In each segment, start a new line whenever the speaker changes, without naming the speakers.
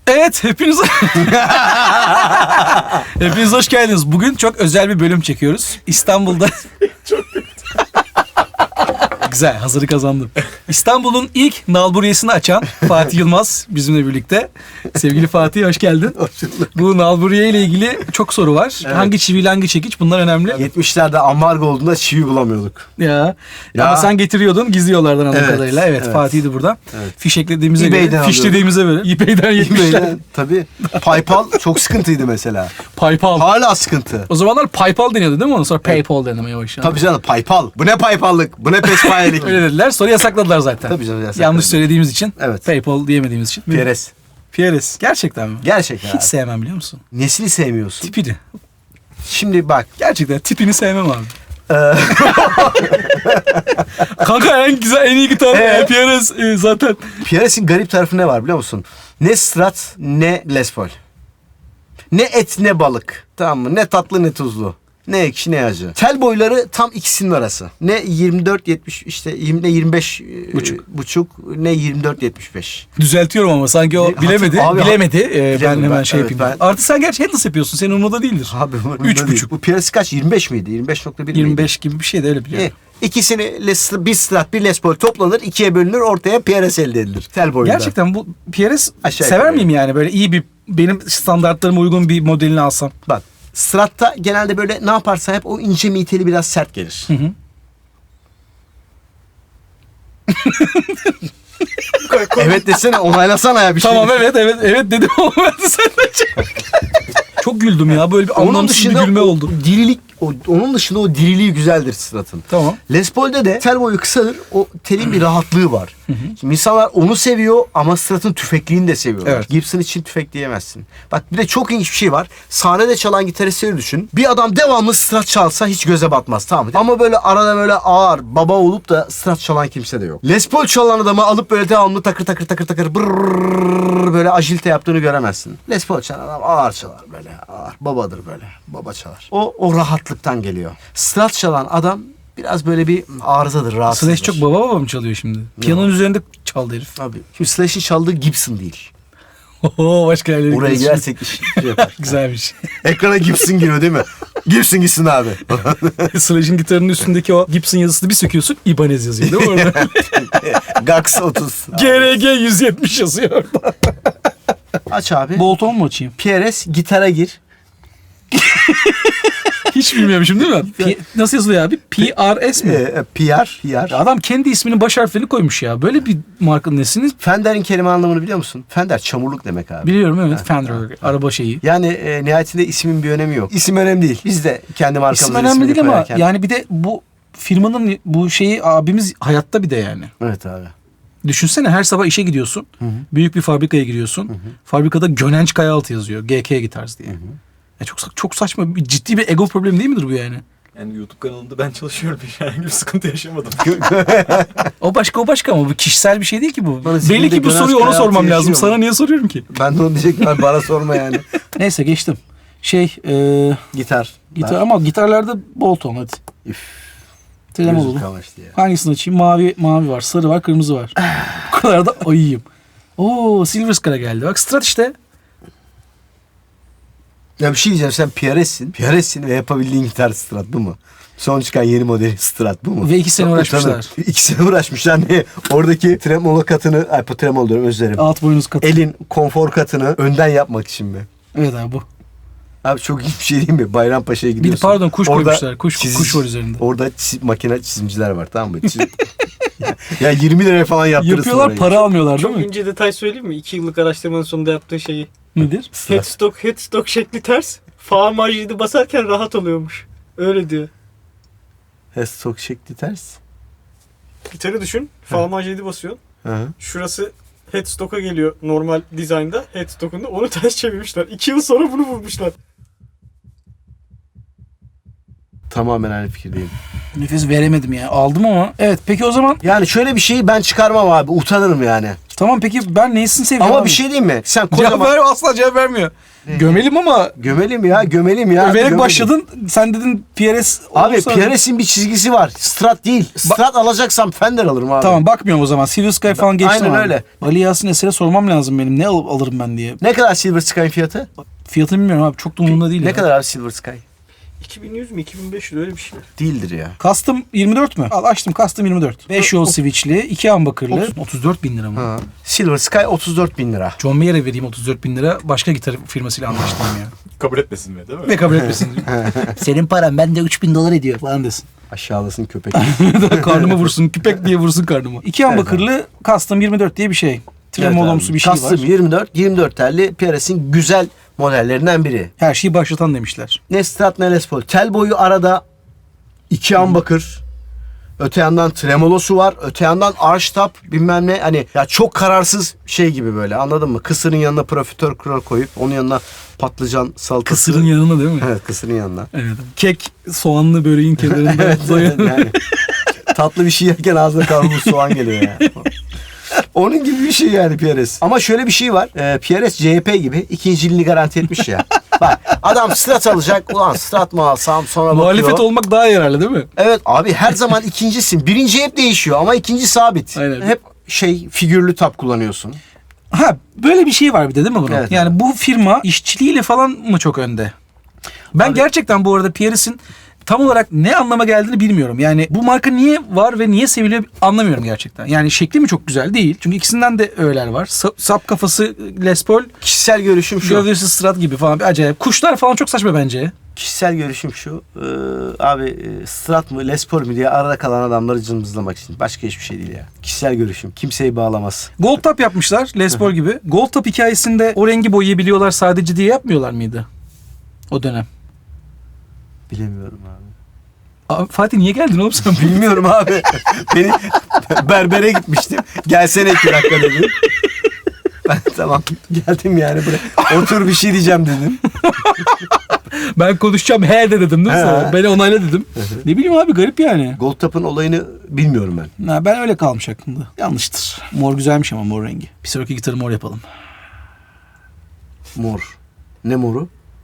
Evet, hepiniz hepiniz hoş geldiniz. Bugün çok özel bir bölüm çekiyoruz. İstanbul'da güzel, hazırı kazandım. İstanbul'un ilk nalburiyesini açan Fatih Yılmaz bizimle birlikte. Sevgili Fatih, hoş geldin.
Hoş bulduk.
Bu nalburiye ile ilgili çok soru var.
Evet.
Hangi çiviyle hangi çekiç, bunlar önemli.
70'lerde ambargo olduğunda çivi bulamıyorduk.
Ya.
Ya.
Ama sen getiriyordun gizli yollardan anladığım
Evet,
kadarıyla. Evet,
evet.
Fatih'di burada.
Evet.
Fişeklediğimize
eBay'den
göre, fişlediğimize göre. eBay'den 70'ler.
eBay'den tabii. PayPal çok sıkıntıydı mesela.
PayPal.
Hala sıkıntı.
O zamanlar PayPal deniyordu değil mi? Ondan sonra PayPal denemeye başladı.
Tabii canım PayPal. Bu ne PayPal'lık? Bu ne pespayelik?
Öyle dediler. Sonra yasakladılar zaten.
Tabii canım yasakladılar.
Yanlış söylediğimiz için.
Evet.
PayPal diyemediğimiz için.
Pieres.
Pieres. Gerçekten mi?
Gerçekten
Hiç
abi.
sevmem, biliyor musun?
Nesini sevmiyorsun?
Tipini.
Şimdi bak.
Gerçekten tipini sevmem abi.
Ee,
Kanka en güzel, en iyi gitar Pieres zaten.
Pieres'in garip tarafı ne var biliyor musun? Ne Strat ne Les Paul. Ne et ne balık. Tamam mı? Ne tatlı ne tuzlu. Ne ekşi ne acı. Tel boyları tam ikisinin arası. Ne 24-70 işte ne 25 buçuk ne 24-75.
Düzeltiyorum ama sanki o
Ne-
bilemedi.
Abi,
bilemedi. Ben
bilemedim
hemen
ben,
şey
evet,
yapayım.
ben-
Artı sen gerçi headless yapıyorsun. Senin umurunda değildir.
Abi bu
3,5.
Bu Pieres kaç? 25 miydi? 25.1 miydi?
25 gibi bir şey de öyle biliyorum.
İkisini bir Strat bir Les Paul toplanır, ikiye bölünür, ortaya Pieres elde edilir. Tel boyunda.
Gerçekten bu Pieres
Aşağı
sever
yukarı.
miyim yani? Böyle iyi bir, benim standartlarıma uygun bir modelini alsam.
Bak Strat'ta genelde böyle ne yaparsan hep o ince miteli biraz sert gelir.
Hı hı.
Evet desene, onaylasana ya bir şey.
Tamam, evet dedim ama ben de senden çok güldüm ya, böyle bir
Onun
anlamsız bir
dışında
gülme oldu.
dirilik, onun dışında o diriliği güzeldir Strat'ın.
Tamam.
Les Paul'de de tel boyu kısadır. O telin bir rahatlığı var. Şimdi insanlar onu seviyor ama Strat'ın tüfekliğini de seviyorlar.
Evet.
Gibson için tüfek diyemezsin. Bak bir de çok ilginç bir şey var. Sahnede çalan gitaristleri düşün. Bir adam devamlı Strat çalsa hiç göze batmaz, tamam mı? Ama böyle arada böyle ağır baba olup da Strat çalan kimse de yok. Les Paul çalan adamı alıp böyle devamlı takır takır takır takır brrrr böyle ajilte yaptığını göremezsin. Les Paul çalan adam ağır çalar böyle ağır. Babadır böyle. Baba çalar. O rahatlıktan geliyor. Strat çalan adam biraz böyle bir arızadır, rahatsızdır.
Slash çok baba mı çalıyor şimdi? Piyanonun üzerinde çaldı herif.
Abi. Şimdi Slash'in çaldığı Gibson değil.
Oho, başka yerlere
Oraya
gidiyoruz.
girersek iş yapar.
Güzelmiş.
Ekrana Gibson giriyor değil mi? Gibson gitsin abi.
Slash'in gitarının üstündeki o Gibson yazısını bir söküyorsun, Ibanez yazıyor değil mi orada?
Gax 30.
GRG 170 yazıyor orada.
Aç abi.
Bolton mu açayım?
PRS gitara gir.
Hiç bilmiyormuşum değil mi? Nasıl yazılıyor abi? PRS mi?
PR.
Adam kendi isminin baş harflerini koymuş ya. Böyle bir markanın nesini
Fender'in kelime anlamını biliyor musun? Fender çamurluk demek abi.
biliyorum, evet. Fender araba şeyi.
Yani nihayetinde ismin bir önemi yok. İsim önemli değil. Biz de kendi markamızın
İsim önemli
ismini
değil ama
koyarken.
yani bir de bu firmanın bu şeyi abimiz hayatta bir de yani.
Evet abi.
Düşünsene, her sabah işe gidiyorsun. Büyük bir fabrikaya giriyorsun. Fabrikada Gönenç Kayaaltı yazıyor. GK Guitars diye. Ya çok saçma, ciddi bir ego problemi değil midir bu yani?
Yani YouTube kanalında ben çalışıyorum. Herhangi bir sıkıntı yaşamadım.
O başka ama bu kişisel bir şey değil ki bu.
Bana
Belli
zihnimde
ki bu
Gönenç
soruyu ona
Kayaaltı
sormam lazım.
yaşıyor
Sana
mu?
niye soruyorum ki?
Ben de onu diyecektim abi, bana sorma yani.
Neyse, geçtim.
Gitar.
Gitar ama gitarlarda Bolton hadi.
Üf.
Tremolo.
Gözüm kamaştı ya.
Hangisini açayım? Mavi var, sarı var, kırmızı var. Bu kadar da ayıyım. Oo, Silver Scar'a geldi. Bak, Strat işte.
Ya bir şey diyeceğim, sen PRS'sin ve yapabildiğin gitar Strat bu mu? Son çıkan yeni modeli Strat bu mu?
Ve 2 sene uğraşmışlar.
2 sene uğraşmışlar. Ne? Oradaki tremolo katını, tremolo diyorum, özür dilerim.
Alt boynuz katı.
Elin konfor katını önden yapmak için mi?
Evet abi, bu.
Abi çok iyi bir şey değil mi? Bayrampaşa'ya
Bir de
gidiyorsun.
pardon, kuş
Orada
koymuşlar. Kuş var üzerinde.
Orada makine çizimciler var, tamam mı? Ya 20 liraya falan yaptırırsın
Yapıyorlar,
orayı.
para almıyorlar değil
Çok
mi?
ince detay söyleyeyim mi? 2 yıllık araştırmanın sonunda yaptığı şeyi.
Nedir?
Headstock şekli ters. Fa majidi basarken rahat oluyormuş. Öyle diyor.
Headstock şekli ters.
Gitarı düşün. Fa majidi basıyorsun.
Hı.
Şurası headstock'a geliyor normal dizaynda. Headstock'unda onu ters çevirmişler. 2 yıl sonra bunu bulmuşlar.
Tamamen aynı fikirdeyim.
Nefes veremedim ya. Aldım ama. Evet, peki o zaman
Yani şöyle bir şeyi ben çıkarmam abi. Utanırım yani.
Tamam peki ben neyisini seviyorum
Ama
abi?
bir şey diyeyim mi? Sen
Cevap
kocaman...
ver, asla cevap vermiyor. Gömelim ama
Gömelim ya.
överek
gömelim.
başladın. Sen dedin PRS
Abi
olursa-
PRS'in bir çizgisi var. Strat değil. Strat alacaksam Fender alırım abi.
Tamam bakmıyorum o zaman. Silver Sky falan geçtim
Aynen
abi.
öyle.
Ali Yasin Eser'e sormam lazım benim. Ne alırım ben diye.
Ne kadar Silver Sky'ın fiyatı?
Fiyatını bilmiyorum abi. Çok da umurumda değil.
Ne
ya.
kadar abi Silver Sky?
2100 mi 2500 öyle bir şey.
Değildir ya.
Custom 24 mü? Al açtım Custom 24. 5 yol switchli, 2 humbucker'lı. 34 bin lira mı?
Ha. Silver Sky 34.000 lira.
John Mayer'e vereyim 34 bin lira. Başka gitar firmasıyla anlaştım ya.
Kabul etmesin mi değil mi?
Ve kabul etmesin. Senin paran bende 3000 dolar ediyor falan desin.
Aşağılasın köpek.
Karnıma vursun. Küpek diye vursun karnıma. 2 humbucker'lı Custom 24 diye bir şey. Tremolomsu bir şey var.
Custom 24 telli PRS'in güzel modellerinden biri.
Her şeyi başlatan demişler.
Ne Strat ne Les Paul. Tel boyu arada 2 humbucker. Öte yandan tremolosu var. Öte yandan arch top bilmem ne. Hani ya çok kararsız şey gibi böyle anladın mı? Kısırın yanına profiterol koyup onun yanına patlıcan salatası.
Kısırın yanına değil mi?
Evet kısırın yanına.
Evet. Kek soğanlı böreğin kenarında
Yani tatlı bir şey yerken ağzına kavrulmuş soğan geliyor yani. Onun gibi bir şey yani PRS. Ama şöyle bir şey var. PRS CHP gibi ikinci yılını garanti etmiş ya. Bak adam Strat alacak. Ulan Strat mı alsam sonra bakıyor.
Muhalefet olmak daha yararlı değil mi?
Evet abi her zaman ikincisin. Birinci hep değişiyor ama ikinci sabit.
Aynen.
Hep figürlü tap kullanıyorsun.
Ha böyle bir şey var bir de değil mi bunun?
Evet.
Yani bu firma işçiliğiyle falan mı çok önde? Ben gerçekten bu arada PRS'in tam olarak ne anlama geldiğini bilmiyorum. Yani bu marka niye var ve niye seviliyor anlamıyorum gerçekten. Yani şekli mi çok güzel değil. Çünkü ikisinden de öğeler var. Sap kafası Les Paul,
Kişisel görüşüm şu.
gövdesi Strat gibi falan bir acayip. Kuşlar falan çok saçma bence.
Kişisel görüşüm şu. Strat mı Les Paul mu diye arada kalan adamları cımbızlamak için. Başka hiçbir şey değil ya. Kişisel görüşüm. Kimseyi bağlamaz.
Gold Top yapmışlar Les Paul gibi. Gold Top hikayesinde o rengi boyayabiliyorlar sadece diye yapmıyorlar mıydı? O dönem.
Bilemiyorum abi.
Abi, Fatih niye geldin oğlum sen?
Bilmiyorum abi. Beni berbere gitmiştim. Gelsene 2 dakika dedim. Ben tamam geldim yani buraya. Otur bir şey diyeceğim dedim.
Ben konuşacağım he de dedim değil mi sana? Beni onayla dedim. Ne bileyim abi garip yani.
Gold Top'un olayını bilmiyorum ben.
Ha, ben öyle kalmış aklımda. Yanlıştır. Mor güzelmiş ama mor rengi. Bir sonraki gitarı mor yapalım.
Mor. Ne moru?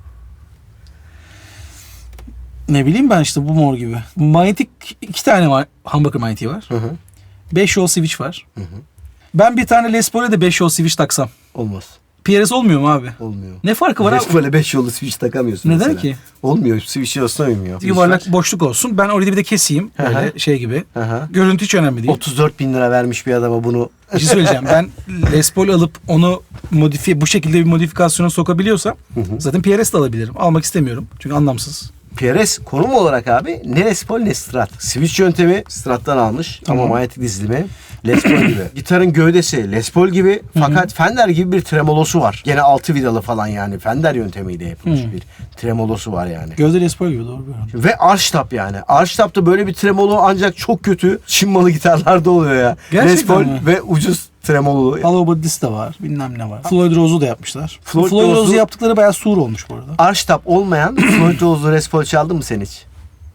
Ne bileyim ben işte bu mor gibi. Manyetik 2 tane var. Humbucker manyetiği var.
Hı hı.
5 yol switch var. Ben bir tane Les Paul'e de 5 yol switch taksam.
Olmaz.
PRS olmuyor mu abi?
Olmuyor.
Ne farkı var abi?
Les Paul'e 5 yollu switch takamıyorsun
Neden
mesela.
ki?
Olmuyor. Switch olsun uymuyor.
Yuvarlak boşluk olsun. Ben orada bir de keseyim. Böyle şey gibi.
Hı hı.
Görüntü hiç önemli değil.
34.000 lira vermiş bir adama bunu.
Bir şey söyleyeceğim. Ben Les Paul alıp onu bu şekilde bir modifikasyona sokabiliyorsam zaten PRS de alabilirim. Almak istemiyorum. Çünkü anlamsız.
PRS konum olarak abi ne Les Paul ne Strat. Switch yöntemi Strat'tan almış ama manyetik dizilimi Les Paul gibi. Gitarın gövdesi Les Paul gibi fakat Fender gibi bir tremolosu var. Gene 6 vidalı falan yani Fender yöntemiyle yapılmış bir tremolosu var yani.
Gözde Les Paul gibi doğru bir
Ve arch top yani. Arch top'ta böyle bir tremolo ancak çok kötü Çin malı gitarlarda oluyor ya.
Gerçekten
Les Paul
mi?
ve ucuz tremolo.
Hollow Body'si de var. Bilmem ne var. Floyd Rose'u da yapmışlar.
Floyd
Floyd
Rose'u-
Rose'u yaptıkları bayağı sur olmuş bu arada.
Arch top olmayan Floyd Rose'lu Les Paul çaldın mı sen hiç?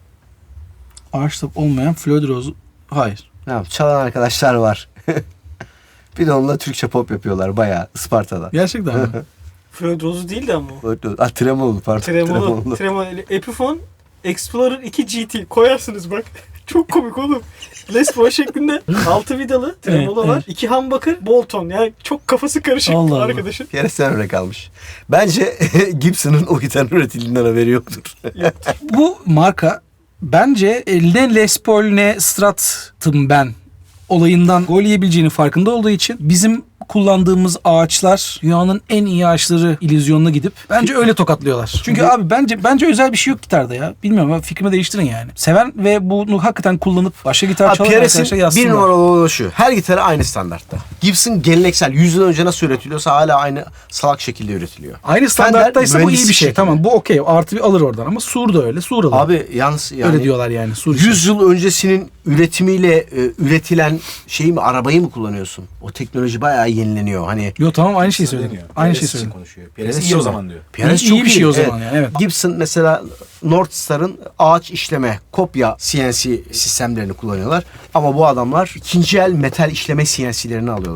Archtop olmayan Floyd Rose'u... Hayır.
Tamam, çalan arkadaşlar var. Bir de onunla Türkçe pop yapıyorlar bayağı Isparta'da.
Gerçekten mi?
Floyd Rose değildi ama o.
Tremolo pardon.
Tremolo. Tremolo. Epiphone Explorer 2 GT koyarsınız bak. Çok komik oğlum. Les Paul şeklinde 6 vidalı tremolo
Evet,
var. 2 humbucker Bolton. Yani çok kafası karışık
Allah Allah.
arkadaşın.
Bir yere sen öyle kalmış. Bence Gibson'ın o gitarın üretildiğinden haberi yoktur.
Bu marka bence ne Les Paul ne Strat'ım ben olayından gol yiyebileceğini farkında olduğu için bizim kullandığımız ağaçlar dünyanın en iyi ağaçları illüzyonuna gidip bence öyle tokatlıyorlar. Çünkü abi bence özel bir şey yok gitarda ya. Bilmiyorum ama fikrimi değiştirin yani. Seven ve bunu hakikaten kullanıp başka gitar çalan arkadaşlar
PRS'in
yazsınlar.
bir numaralı olanı şu. Her gitarı aynı standartta. Gibson geleneksel 100 yıl önce nasıl üretiliyorsa hala aynı salak şekilde üretiliyor.
Aynı standarttaysa bu iyi bir
mühendislik
şey.
şekli.
Tamam bu okey. Artı bir alır oradan ama Sur da öyle. Sur alır.
Abi yalnız yani
öyle diyorlar yani. Sur için.
100 yıl öncesinin üretimiyle üretilen şeyi mi arabayı mı kullanıyorsun? O teknoloji bayağı yenileniyor. Hani
Yo tamam aynı şeyi söyledim.
Söyleniyor.
Aynı
PRS
şeyi
için
söyledim.
konuşuyor. PRS iyi o zaman diyor.
PRS
İyi
çok
bir şey o zaman yani, evet.
Gibson mesela Northstar'ın ağaç işleme, kopya CNC sistemlerini kullanıyorlar. Ama bu adamlar ikinci el metal işleme CNC'lerini alıyorlar.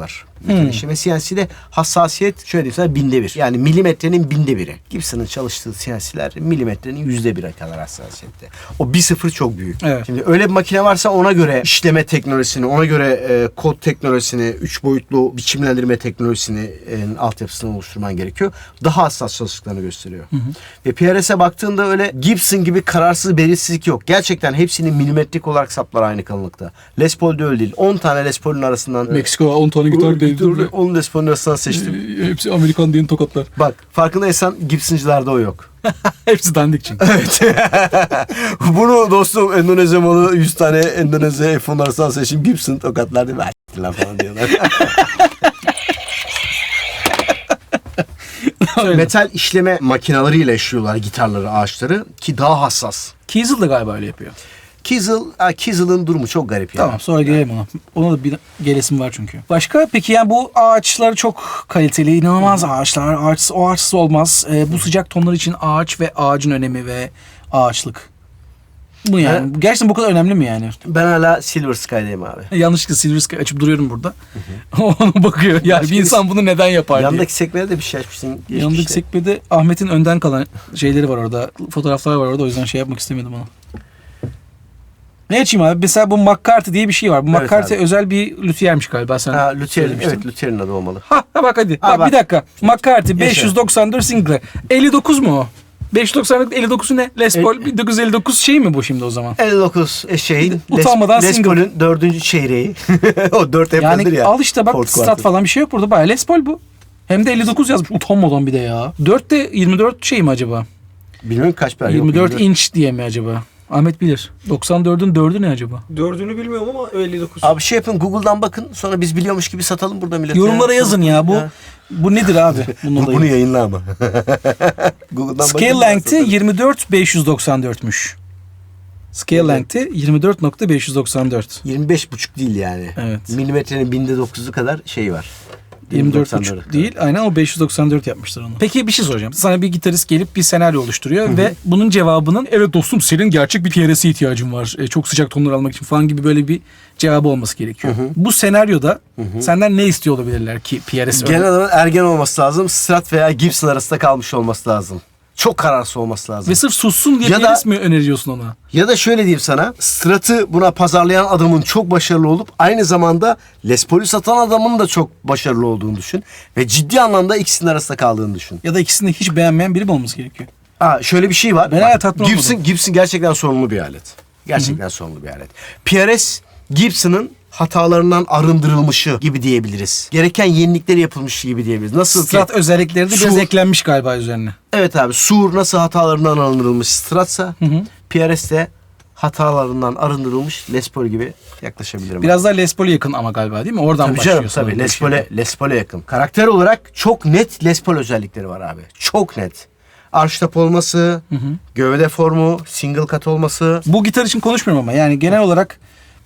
metal işleme. CNC'de hassasiyet şöyle diyeyim sana 1/1000. Yani milimetrenin 1/1000'i. Gibson'ın çalıştığı CNC'ler milimetrenin %1'e kadar hassasiyette. O 1/0 çok büyük.
Evet.
Şimdi öyle bir makine varsa ona göre işleme teknolojisini, ona göre kod teknolojisini, 3 boyutlu biçimlendirme teknolojisini altyapısını oluşturman gerekiyor. Daha hassas çalıştıklarını gösteriyor. Ve PRS'e baktığında öyle Gibson gibi kararsız belirsizlik yok. Gerçekten hepsinin milimetrik olarak saplar aynı kalınlıkta. Les Paul'de öyle değil. 10 tane Les Paul'un arasından
Meksika 10 tane gitar değildi.
10 Les Paul'un arasından seçtim.
Hepsi Amerikan diyen tokatlar.
Bak farkındaysan Gibson'cılarda o yok.
Hepsi dandik çünkü.
Evet. Bunu dostum Endonezya malı 100 tane Endonezya F10 arasından seçim Gibson tokatlar değil mi? Lan falan diyorlar. Metal işleme makinalarıyla işliyorlar gitarları, ağaçları ki daha hassas.
Kiesel de galiba öyle yapıyor.
Kiesel'ın durumu çok garip yani.
Tamam sonra gelelim ona. Ona da bir gelesim var çünkü. Başka peki yani bu ağaçlar çok kaliteli, inanılmaz ağaçlar. Ağaçsız olmaz. Bu sıcak tonlar için ağaç ve ağacın önemi ve ağaçlık. Bu yani. Gerçekten bu kadar önemli mi yani?
Ben hala Silver Sky'dayım abi.
Yanlışlıkla Silver Sky açıp duruyorum burada. Ona bakıyor. Yani
Başka
bir insan bunu neden yapar diye.
Yandaki sekmede de bir şey açmışsın.
Yanındaki sekmede Ahmet'in önden kalan şeyleri var orada. Fotoğraflar var orada. O yüzden şey yapmak istemedim ona. Ne açayım abi? Mesela bu McCarthy diye bir şey var. Bu
Evet
McCarthy
abi.
özel bir lüthiyermiş galiba. Sen
Ha, Luther'in,
söylemiştin.
evet Luther'in adı olmalı.
Ha bak hadi.
Ha,
Bak,
bak.
bir dakika. McCarthy
Yaşa.
594 Sinclair. 59 mu o? 594 59'u ne? Les Paul 1959 şey mi bu şimdi o zaman?
59 şeyin
Utanmadan
Les
single.
Paul'ün 4. çeyreği. O 4 hep
Yani
ya.
al işte bak
Ford
strat
Quarter.
falan bir şey yok burada. Bayağı Les Paul bu. Hem de 59 yazmış. Utanmadan bir de ya. 4 de 24 şey mi acaba?
Bilmiyorum kaç per.
24 inç diye mi acaba? Ahmet bilir. 94'ün 4'ü ne acaba?
Dördünü bilmiyorum ama 59.
Abi şey yapın Google'dan bakın sonra biz biliyormuş gibi satalım burada millete.
Yorumlara yazın ya. Bu
Ya.
bu nedir abi? Bunun olayı.
Bunu yayınla ama. Google'dan
Scale
bakın,
length'i
satalım.
24.594'müş. Scale length'i 24.594.
25,5 değil yani.
Evet.
Milimetrenin 1000'de 9'u kadar şey var.
24.5 değil. Aynen o 594 yapmışlar onu. Peki bir şey soracağım. Sana bir gitarist gelip bir senaryo oluşturuyor ve bunun cevabının evet dostum senin gerçek bir PRS'e ihtiyacın var. Çok sıcak tonlar almak için falan gibi böyle bir cevabı olması gerekiyor. Bu senaryoda senden ne istiyor olabilirler ki PRS?
Genel olarak ergen olması lazım. Strat veya Gibson arasında kalmış olması lazım. Çok kararsız olması lazım.
Ve sırf sussun diye
Ya da-
PRS mi öneriyorsun ona?
Ya da şöyle diyeyim sana. Strat'ı buna pazarlayan adamın çok başarılı olup aynı zamanda Les Paul'ü satan adamın da çok başarılı olduğunu düşün. Ve ciddi anlamda ikisinin arasında kaldığını düşün.
Ya da ikisini de hiç beğenmeyen biri mi olması gerekiyor?
Şöyle bir şey var.
Ben hala tatmin
Gibson gerçekten sorunlu bir alet. Gerçekten sorunlu bir alet. PRS Gibson'ın hatalarından arındırılmışı gibi diyebiliriz. Gereken yenilikleri yapılmış gibi diyebiliriz. Nasıl
Strat
ki
özellikleri de biraz
Sur-
eklenmiş galiba üzerine.
evet abi Sur nasıl hatalarından arındırılmış Strat'sa PRS de hatalarından arındırılmış Les Paul gibi yaklaşabilirim.
Biraz daha Les Paul'e yakın ama galiba değil mi? Oradan
Tabii
başlıyor.
canım tabii
sanırım.
Les Paul'e yakın. Karakter olarak çok net Les Paul özellikleri var abi. Çok net. Archtop olması, gövde formu, single cut olması,
Bu gitar için konuşmuyorum ama yani genel olarak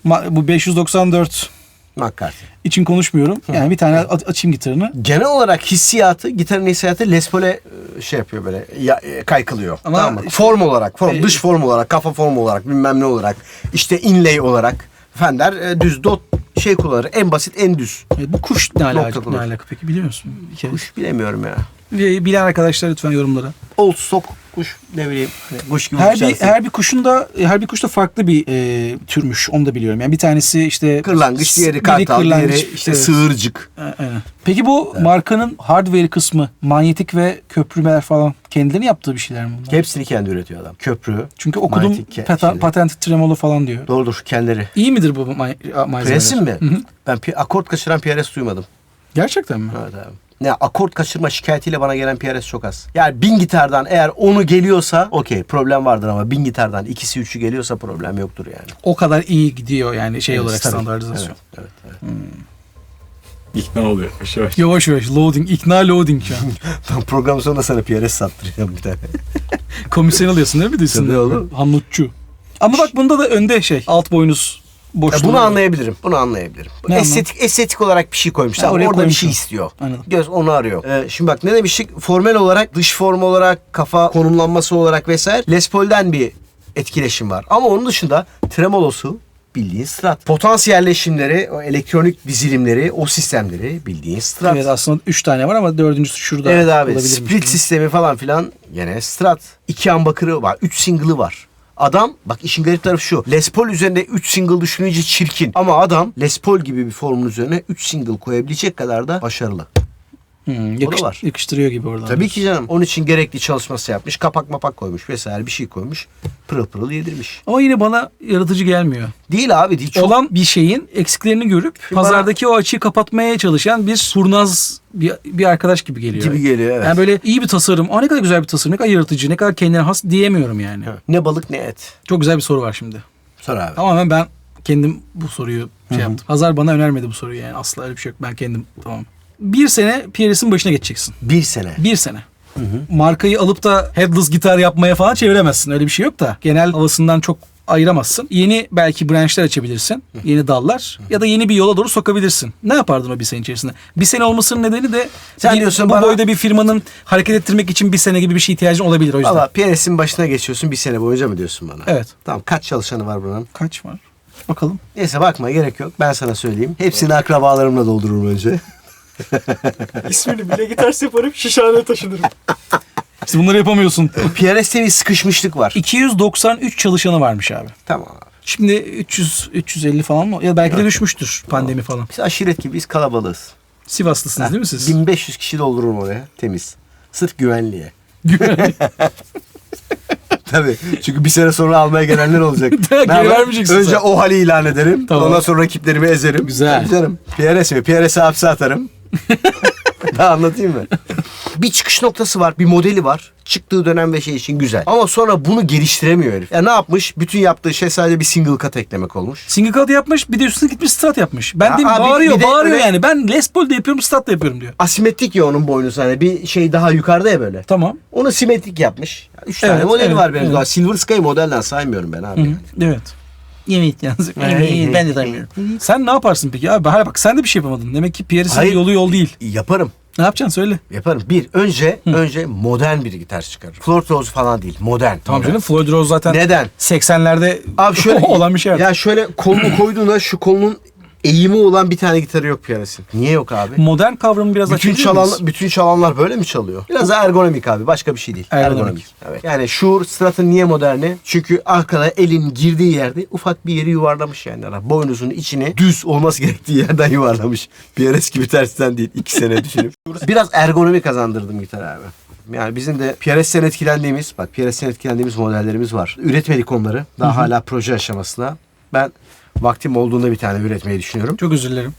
bu 594
McCarthy.
için konuşmuyorum. Yani bir tane açayım gitarını.
Genel olarak hissiyatı, gitarın hissiyatı Les Paul'e şey yapıyor böyle kaykılıyor.
Ama
Tamam mı?
işte-
Form olarak, dış form olarak, kafa form olarak, bilmem ne olarak, işte inlay olarak Fender düz dot şey kullanır. En basit, en düz.
Bu kuş ne
Nokta
alaka,
kullanır.
ne alaka peki biliyor musun? Bir kere.
Kuş bilemiyorum ya.
Bilen arkadaşlar lütfen yorumlara.
Old stock kuş ne bileyim. Hani kuş gibi
Her
uçarsın.
bir kuş da farklı bir türmüş. Onu da biliyorum. Yani bir tanesi işte
Kırlangıç, diğeri
biri
kartal,
kırlangıç,
diğeri işte
evet.
sığırcık.
Aynen. Peki bu markanın hardware kısmı, manyetik ve köprümeler falan kendilerinin yaptığı bir şeyler mi bunlar?
Hepsini kendi üretiyor adam. Köprü.
Çünkü okudum
manyetik şeyleri.
patent tremolo falan diyor.
Doğrudur kendileri.
İyi midir bu malzemeler?
Presim mi?
Hı hı.
Ben akort kaçıran PRS duymadım.
Gerçekten mi?
Evet abi. Ne akort kaçırma şikayetiyle bana gelen PRS çok az. Yani 1000 gitardan eğer 10'u geliyorsa okey problem vardır ama 1000 gitardan ikisi 3'ü geliyorsa problem yoktur yani.
O kadar iyi gidiyor yani şey
Evet,
olarak
tabii.
standartizasyon.
Evet.
İkna oluyor. Yavaş.
Yavaş yavaş loading, ikna loading şu an.
Ben program sonunda sana PRS sattıracağım bir tane.
Komisyon alıyorsun değil mi diyorsun?
Tabii oğlum.
Hamlutçu. Ama bak bunda da önde şey alt boynuz boşluğu.
Bunu anlayabilirim. Bunu anlayabilirim.
Ne
Estetik olarak bir şey koymuşlar.
Ha, oraya
Orada bir
koymuşlar.
şey istiyor.
Anladım.
Göz onu arıyor. Şimdi bak ne demiştik? Formel olarak, dış form olarak, kafa konumlanması olarak vesaire Les Paul'den bir etkileşim var. Ama onun dışında tremolosu, bildiğin Strat. Potans yerleşimleri, o elektronik dizilimleri, o sistemleri bildiğin Strat.
Evet, aslında 3 tane var ama dördüncüsü şurada.
Evet abi,
olabilirmiş.
split sistemi falan filan gene Strat. 2 humbucker'ı var, 3 single'ı var. Adam, bak işin garip tarafı şu. Les Paul üzerinde 3 single düşününce çirkin. Ama adam Les Paul gibi bir formun üzerine 3 single koyabilecek kadar da başarılı. O da var.
Yakıştırıyor gibi oradan.
Tabii ki canım. Onun için gerekli çalışması yapmış. Kapak mapak koymuş vesaire bir şey koymuş. Pırıl pırıl yedirmiş.
Ama yine bana yaratıcı gelmiyor.
Değil abi, değil. Çok...
Olan bir şeyin eksiklerini görüp pazardaki o açığı kapatmaya çalışan bir kurnaz bir arkadaş gibi geliyor.
Gibi geliyor, evet.
Yani böyle iyi bir tasarım. Ne kadar güzel bir tasarım. Ne kadar yaratıcı. Ne kadar kendine has diyemiyorum yani.
Ne balık ne et.
Çok güzel bir soru var şimdi.
Sor abi.
Tamamen ben kendim bu soruyu yaptım. Hazar bana önermedi bu soruyu yani. Asla öyle bir şey yok. Ben kendim tamam. Bir sene PRS'in başına geçeceksin.
1 sene.
Bir sene. Markayı alıp da headless gitar yapmaya falan çeviremezsin. Öyle bir şey yok da. Genel havasından çok ayıramazsın. Yeni belki branşlar açabilirsin. Yeni dallar. Ya da yeni bir yola doğru sokabilirsin. Ne yapardın o bir sene içerisinde? Bir sene olmasının nedeni de
Sen diyorsun
bu
bana-
boyda bir firmanın hareket ettirmek için bir sene gibi bir şey ihtiyacın olabilir o yüzden.
Valla PRS'in başına geçiyorsun 1 sene boyunca mı diyorsun bana?
Evet.
Tamam, kaç çalışanı var buranın?
Kaç var? Bakalım.
Neyse bakma, gerek yok. Ben sana söyleyeyim. Hepsini akrabalarımla doldururum önce.
İsmini bile gitar yaparım, şişhaneye taşınırım.
İşte bunları yapamıyorsun.
PRS'te bir sıkışmışlık var.
293 çalışanı varmış abi.
Tamam abi.
Şimdi 350 falan mı? Ya belki de düşmüştür pandemi falan.
Biz aşiret gibiyiz, kalabalığız.
Sivaslısınız değil mi siz?
1500 kişi doldururum oraya temiz. Sırf güvenliğe. Tabii. Çünkü bir sene sonra almaya gelenler olacak.
Geri
Ne yapayım?
vermeyeceksin
Önce
sen.
o hali ilan ederim.
Tamam.
Ondan sonra rakiplerimi ezerim.
Güzel.
Tabii canım. PRS mi? PRS'e hapse atarım. Daha anlatayım mı? Bir çıkış noktası var, bir modeli var. Çıktığı dönem ve şey için güzel. Ama sonra bunu geliştiremiyor herif. Ya ne yapmış? Bütün yaptığı şey sadece bir single cut eklemek olmuş.
Single cut yapmış, bir de üstüne gitmiş Strat yapmış. Ben
Ya
de
abi,
bağırıyor
bir de öyle-
yani. Ben Les Paul de yapıyorum, Strat da yapıyorum diyor.
Asimetrik ya onun boynuzu, hani bir şey daha yukarıda ya böyle.
Tamam.
Onu simetrik yapmış. 3
Evet,
tane modeli
evet,
var benim.
evet.
Daha Silver Sky modelden saymıyorum ben abi.
Evet. Evet yalnız. Ben de tanımıyorum. Sen ne yaparsın peki abi? Hayır bak, sen de bir şey yapamadın. Demek ki PRS'in
Hayır.
yolu yol değil.
Yaparım.
Ne yapacaksın söyle.
Yaparım. Önce modern bir gitar çıkarırım. Floor Rose falan değil. Modern.
Tamam canım, Floyd Rose zaten
Neden?
80'lerde
Abi şöyle
olan bir şey.
Ya şöyle kolunu koyduğunda şu kolunun eğimi olan bir tane gitarı yok piyanist. Niye yok abi?
Modern kavramı biraz açabilir miyiz?
Bütün çalanlar böyle mi çalıyor? Biraz da ergonomik abi. Başka bir şey değil.
Ergonomik.
Evet. Yani Shure Strat'ın niye moderni? Çünkü arkada elin girdiği yerde ufak bir yeri yuvarlamış yani. Boynuzun içine düz olması gerektiği yerden yuvarlamış. PRS gibi tersten değil. 2 sene düşünüp. Biraz ergonomi kazandırdım gitar abi. Yani bizim de PRS'ten etkilendiğimiz modellerimiz var. Üretmedik onları. Daha hala proje aşamasında. Ben vaktim olduğunda bir tane üretmeyi düşünüyorum.
Çok özür dilerim.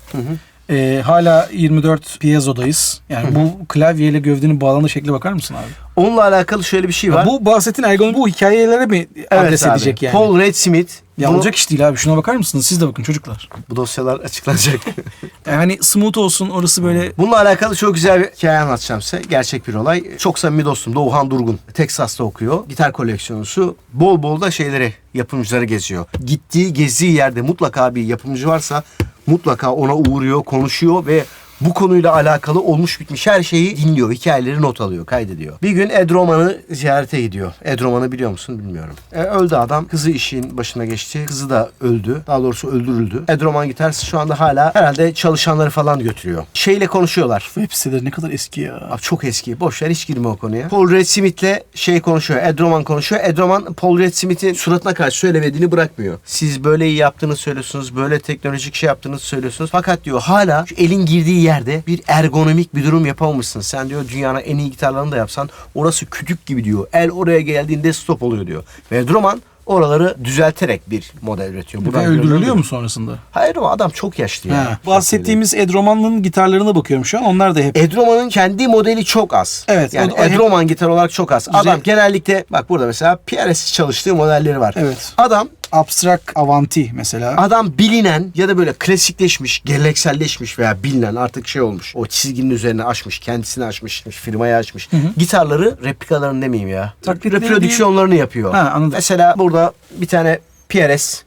Hala 24 piezodayız. Yani bu klavyeyle gövdenin bağlandığı şekle bakar mısın abi?
Onunla alakalı şöyle bir şey var.
Bu bahsettiğin ergonomi bu hikayelere mi adres
abi.
edecek yani?
Paul Reed Smith.
Ya olacak iş değil abi. Şuna bakar mısınız? Siz de bakın çocuklar.
Bu dosyalar açıklanacak.
Yani smooth olsun, orası böyle...
Bununla alakalı çok güzel bir hikaye anlatacağım size. Gerçek bir olay. Çok samimi dostum Doğuhan Durgun. Texas'ta okuyor. Gitar koleksiyonusu. Bol bol da yapımcıları geziyor. Gittiği, gezdiği yerde mutlaka bir yapımcı varsa mutlaka ona uğruyor, konuşuyor ve bu konuyla alakalı olmuş bitmiş her şeyi dinliyor. Hikayeleri not alıyor, kaydediyor. Bir gün Ed Roman'ı ziyarete gidiyor. Ed Roman'ı biliyor musun bilmiyorum. Öldü adam. Kızı işin başına geçti. Kızı da öldü. Daha doğrusu öldürüldü. Ed Roman gitarsı şu anda hala herhalde çalışanları falan götürüyor. Şeyle konuşuyorlar.
Web siteleri ne kadar eski ya.
Abi çok eski. Boş ver, hiç girme o konuya. Paul Reed Smith'le konuşuyor. Ed Roman konuşuyor. Ed Roman Paul Reed Smith'in suratına karşı söylemediğini bırakmıyor. Siz böyle iyi yaptığını söylüyorsunuz. Böyle teknolojik şey yaptığınızı söylüyorsunuz. Fakat diyor hala şu elin girdiği yerde bir ergonomik bir durum yapamamışsın. Sen diyor dünyanın en iyi gitarlarını da yapsan orası kütük gibi diyor. El oraya geldiğinde stop oluyor diyor. Ve Ed Roman oraları düzelterek bir model üretiyor.
Ve öldürülüyor mu sonrasında?
Hayır ama adam çok yaşlı yani.
Bahsettiğimiz Ed Roman'ın gitarlarına bakıyorum şu an. Onlar da hep...
Ed Roman'ın kendi modeli çok az.
Evet.
Yani
o
Ed
hep-
Roman gitar olarak çok az.
Güzel.
Adam genellikle bak burada mesela PRS çalıştığı modelleri var.
Evet.
Adam
Abstract Avanti mesela.
bilinen ya da böyle klasikleşmiş, gelenekselleşmiş veya bilinen artık şey olmuş. O çizginin üzerine açmış, kendisini açmış, firmayı açmış. Gitarları, replikalarını demeyeyim ya.
Taklitleri
Reprodüksiyonlarını yapıyor.
Ha, anladım.
Mesela burada bir tane PRS.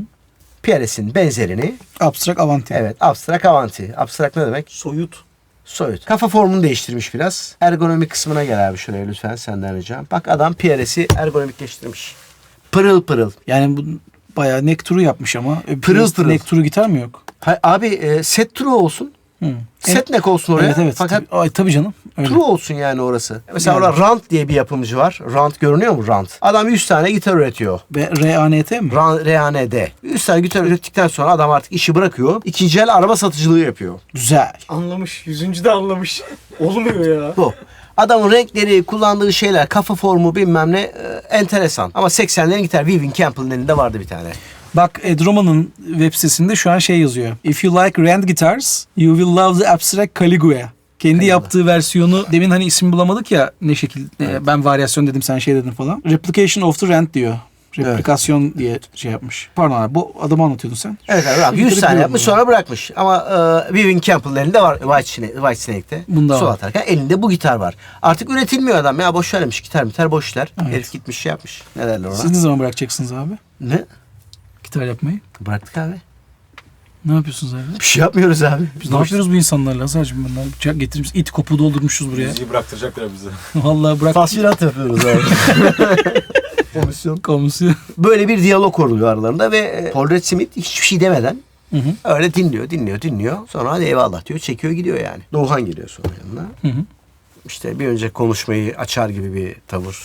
PRS'in benzerini.
Abstract Avanti.
Evet, Abstract Avanti. Abstract ne demek? Soyut. Kafa formunu değiştirmiş biraz. Ergonomik kısmına gel abi şuraya lütfen, senden ricam. Bak adam PRS'i ergonomikleştirmiş. Pırıl pırıl.
Yani bu Bayağı neck turu yapmış ama.
Pırıl pırıl.
Neck turu gitar mı yok?
Abi set turu olsun.
Hı.
Set neck olsun oraya.
Evet.
Fakat
Tabii canım. Öyle.
turu olsun yani orası. Mesela
Yani.
orada Rant diye bir yapımcı var. Rant görünüyor mu Rant? Adam 100 tane gitar üretiyor.
Ve R-A-N-T mi?
R.A.N.D. 100 tane gitar ürettikten sonra adam artık işi bırakıyor. İkinci el araba satıcılığı yapıyor.
Güzel.
Anlamış. 100. de anlamış. Olmuyor ya.
Bu. Adamın renkleri, kullandığı şeyler, kafa formu bilmem ne enteresan. Ama 80'lerin gitar Vivian Campbell'ın elinde vardı bir tane.
Bak Ed Roman'ın web sitesinde şu an şey yazıyor. If you like Rand guitars, you will love the abstract Caligula. Kendi yaptığı versiyonu, demin hani isim bulamadık ya ne şekil, ben varyasyon dedim sen şey dedin falan. Replication of the Rand diyor. Replikasyon diye şey yapmış. Pardon abi, bu adamı anlatıyordun sen.
Evet abi 100 tane yapmış sonra bırakmış. Ama Vivian Campbell'ın elinde var White Snake'te.
Bunda
Sol
var.
atarken elinde bu gitar var. Artık üretilmiyor adam ya, boş vermiş gitar boş işler.
Evet.
Herif gitmiş şey yapmış. Ne derler ona?
Siz ne zaman bırakacaksınız abi?
Ne?
Gitar yapmayı.
Bıraktık abi.
Ne yapıyorsunuz abi?
Bir şey yapmıyoruz abi.
Biz ne yapıyoruz bu insanlarla? Sadece bunlar bıçak getirmiş, it kopu doldurmuşuz buraya.
Müziği bıraktıracaklar bize.
Vallahi bırak.
Tasvirat yapıyoruz abi. Komisyon.
Komisyon.
Böyle bir diyalog kuruluyor aralarında ve Paul Red Smith hiçbir şey demeden
Hı hı.
öyle dinliyor. Sonra hadi eyvallah diyor, çekiyor gidiyor yani. Doğuhan geliyor sonra yanına.
Hı hı.
İşte bir önce konuşmayı açar gibi bir tavır,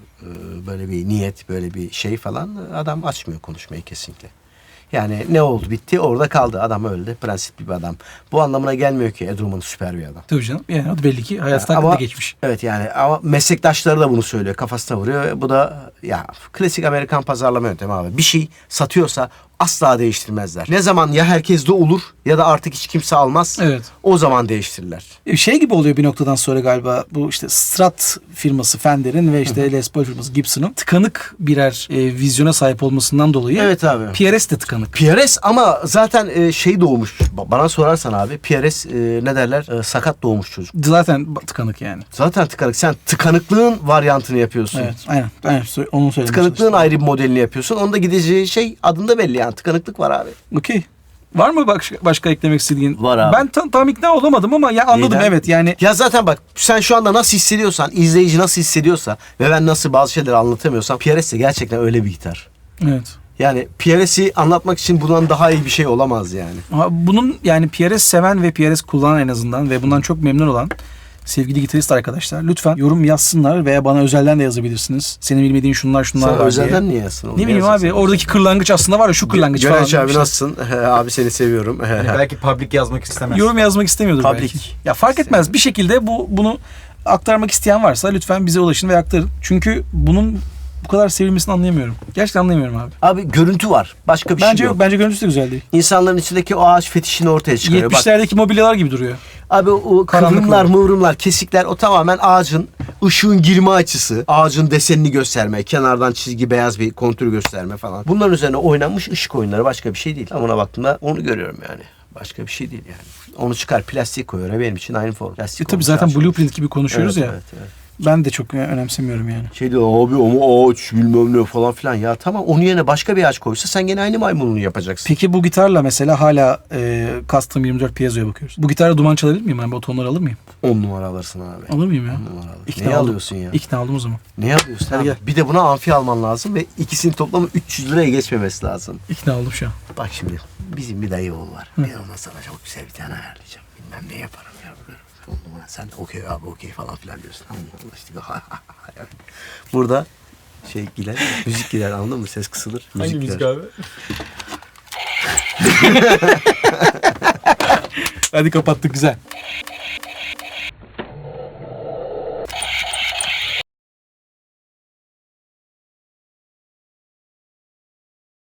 böyle bir niyet, böyle bir şey falan. Adam açmıyor konuşmayı kesinlikle. Yani ne oldu bitti orada kaldı. Adam öldü. Prensipli bir adam. Bu anlamına gelmiyor ki Ed Roman süper bir adam.
Tabii canım. Yani o da belli ki hayatı
Ama-
hakkında geçmiş.
Evet yani ama meslektaşları da bunu söylüyor. Kafasına vuruyor. Bu da ya klasik Amerikan pazarlama yöntemi abi. Bir şey satıyorsa asla değiştirmezler. Ne zaman ya herkes de olur ya da artık hiç kimse almaz.
Evet.
O zaman değiştirirler.
Şey gibi oluyor bir noktadan sonra galiba, bu işte Strat firması Fender'in ve işte Les Paul firması Gibson'ın tıkanık birer vizyona sahip olmasından dolayı.
Evet abi.
PRS de tıkanık.
PRS ama zaten şey doğmuş. Bana sorarsan abi PRS ne derler? Sakat doğmuş çocuk.
Zaten tıkanık yani.
Zaten tıkanık. Sen tıkanıklığın varyantını yapıyorsun.
Evet. Aynen. Onu söylemek
Tıkanıklığın
çalıştım.
ayrı bir modelini yapıyorsun. Onda gideceği şey adında belli yani. Tıkanıklık var abi.
Okey. Var mı başka eklemek istediğin?
Var abi.
Ben tam ikna olamadım ama ya anladım.
Neyden?
Evet yani.
Ya zaten bak sen şu anda nasıl hissediyorsan, izleyici nasıl hissediyorsa ve ben nasıl bazı şeyleri anlatamıyorsam PRS de gerçekten öyle bir gitar.
Evet.
Yani PRS'i anlatmak için bundan daha iyi bir şey olamaz yani.
Ama bunun yani PRS seven ve PRS kullanan en azından ve bundan çok memnun olan sevgili gitarist arkadaşlar lütfen yorum yazsınlar veya bana özelden de yazabilirsiniz. Senin bilmediğin şunlar
Sen
var diye.
özelden niye yazsın?
Ne bileyim abi, oradaki kırlangıç aslında var ya, şu kırlangıç falan.
Göneç abi
İşte
nasılsın? Abi seni seviyorum.
Yani belki public yazmak istemez.
yorum yazmak istemiyordur
Public.
belki. Ya fark etmez. Bir şekilde bunu aktarmak isteyen varsa lütfen bize ulaşın ve aktarın. Çünkü bunun bu kadar sevilmesini anlayamıyorum. Gerçekten anlayamıyorum abi.
Abi görüntü var. Başka bir
Bence
şey
yok.
yok.
Bence görüntüsü de güzel değil.
İnsanların içindeki o ağaç fetişini ortaya çıkarıyor. Bak,
70'lerdeki mobilyalar gibi duruyor.
abi o
Karanlık
kıvrımlar,
olur.
mıvrımlar, kesikler o tamamen ağacın ışığın girme açısı, ağacın desenini gösterme, kenardan çizgi, beyaz bir kontür gösterme falan. Bunların üzerine oynanmış ışık oyunları, başka bir şey değil. Ama ona baktığımda onu görüyorum yani. Başka bir şey değil yani. Onu çıkar plastik koyuyor. Benim için aynı form. Plastik
Tabii
olmuş,
zaten
ağaç olmuş.
blueprint gibi konuşuyoruz
Evet,
ya.
evet, evet.
Ben de çok önemsemiyorum yani.
Şey diyor abi ama ağaç bilmem ne falan filan. Ya tamam, onun yerine başka bir ağaç koysa sen gene aynı maymununu yapacaksın.
Peki bu gitarla mesela hala Custom 24 piezo'ya bakıyoruz. Bu gitarla duman çalabilir miyim? Ben bu tonları alır mıyım?
10 numara alırsın abi.
Alır mıyım ya?
10 numara alırsın.
İkna
Neyi
oldum.
alıyorsun ya?
İkna oldum o zaman.
Ne alıyorsun?
Hadi
Abi?
gel.
Bir de buna amfi alman lazım ve ikisinin toplamı 300 liraya geçmemesi lazım.
İkna oldum şu an.
Bak şimdi bizim bir dayı oğlu var. Ben ona sana çok güzel bir tane ayarlayacağım. Bilmem ne yaparım ya. On numara. Sen de okey abi okey falan filan diyorsun. Allah işte. Burada şey gider, müzik gider, anladın mı? Ses kısılır.
Hangi
Müzik
müzik
gider.
abi?
Hadi kapattık, güzel.